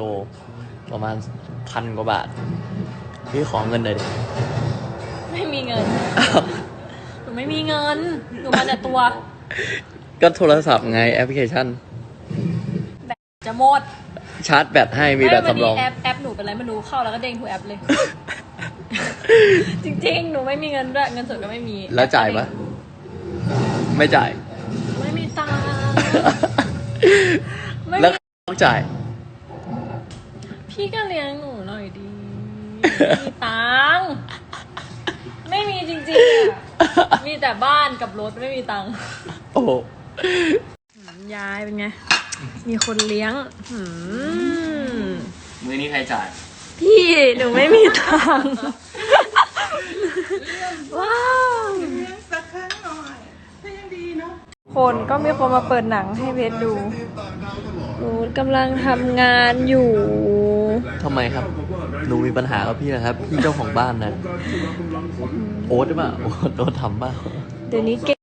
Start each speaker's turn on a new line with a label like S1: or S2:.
S1: ประมาณ1,000 กว่าบาทพี่ขอเงินหน่อยดิ
S2: ไม่มีเงิน หนูไม่มีเงิน หนูมาแต่ตัว
S1: ก็โทรศัพท์ไงแอปพลิเคชัน
S2: จะหมด
S1: ชาร์จแบตให้มีแบตสำรอง
S2: แอปหนูเป็นไรไม่รู้เข้าแล้วก็เด้งทุกแอปเลย จริงๆ หนูไม่มีเงินด้วยเงินสดก็ไม่มี
S1: แล้วจ่ายปะไม่จ่าย
S2: ไม่มีตังค์ไม่
S1: แล้ว
S2: มี
S1: ต้องจ่าย
S2: พี่ก็เลี้ยงหนูหน่อยดีไม่มีตังค์ไม่มีจริงๆอะมีแต่บ้านกับรถไม่มีตังค์
S1: โอ้โห
S2: ยายเป็นไง มีคนเลี้ยง
S1: มือนี้ใครจ่าย
S2: พี่หนูไม่มีตังค์ว้าว
S3: สักครั้งหน่อยก็ยังดีเนาะ
S2: คนก็มีคนมาเปิดหนังให้เพชรดูหนูกำลังทำงานอยู่
S1: ทำไมครับ หนูมีปัญหากับพี่นะครับ พี่เจ้าของบ้านนะ โอ๊ตหรือเปล่าโอ๊ตทำบ้า
S2: เดี๋ยวนี้เก่ง